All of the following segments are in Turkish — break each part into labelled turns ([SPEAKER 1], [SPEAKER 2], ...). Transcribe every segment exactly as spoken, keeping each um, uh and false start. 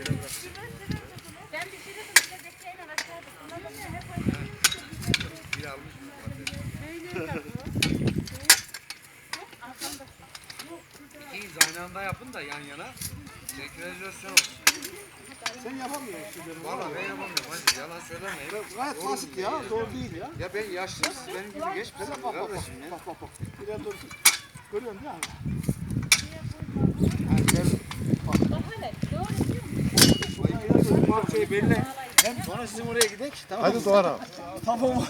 [SPEAKER 1] Ben pişirirdim size bekleyin aşağıda. Kullandım ya hep öyle.
[SPEAKER 2] Bir almış mı? İkiyiz aynı anda yapın da yan yana. Senkronizasyon olsun.
[SPEAKER 3] Sen yapamıyorsun şimdi.
[SPEAKER 2] Valla ben yapamıyorum hacı yalan söylemeyin.
[SPEAKER 3] Gayet basit ya, zor değil ya.
[SPEAKER 2] Ya ben yaşlıyım siz benim gibi geçmişsiniz
[SPEAKER 3] Bak bak bak,
[SPEAKER 2] kardeşim ya.
[SPEAKER 3] bak bak bak. Biraz dur. Görüyorsun değil mi?
[SPEAKER 1] Daha ne? Doğru diyor musun?
[SPEAKER 3] Bak şey belli. Hem sonra sizin oraya gidelim. Tamam.
[SPEAKER 4] Hadi Doğan abi.
[SPEAKER 3] Tamam.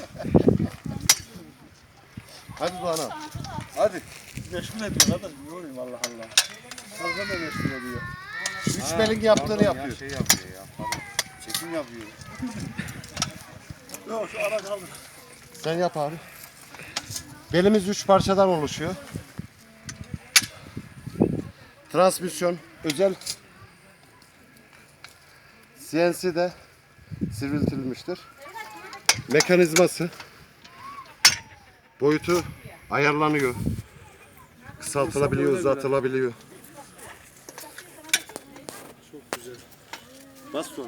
[SPEAKER 4] Hadi Doğan abi.
[SPEAKER 3] Hadi. Meşgul ediyor kadın. Yorayım Allah Allah. Fazla da meşgul ediyor.
[SPEAKER 4] Üç belin yaptığını yapıyor.
[SPEAKER 2] Şey yapıyor ya falan.
[SPEAKER 3] Çekim yapıyor. Yok şu ara kaldı.
[SPEAKER 4] Sen yap abi. Belimiz üç parçadan oluşuyor. Transmisyon özel C N C'de sivriltilmiştir. Mekanizması boyutu ayarlanıyor. Kısaltılabiliyor, uzatılabiliyor.
[SPEAKER 3] Çok güzel. Bas sonra.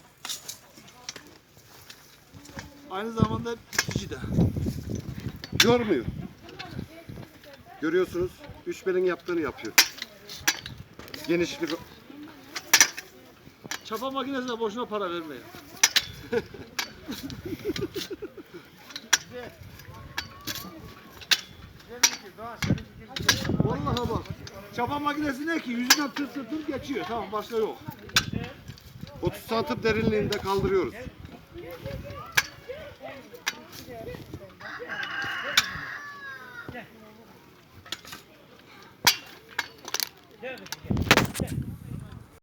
[SPEAKER 3] Aynı zamanda itici de.
[SPEAKER 4] Yormuyor. Görüyorsunuz, üç belin yaptığını yapıyor. Genişlik
[SPEAKER 3] Çapa makinesine boşuna para vermeyin. Vallahi bak. Çapa makinesi ne ki? Yüzünden tır tır tır geçiyor. Tamam başka yok.
[SPEAKER 4] otuz santim derinliğinde kaldırıyoruz.
[SPEAKER 5] Gel. Gel.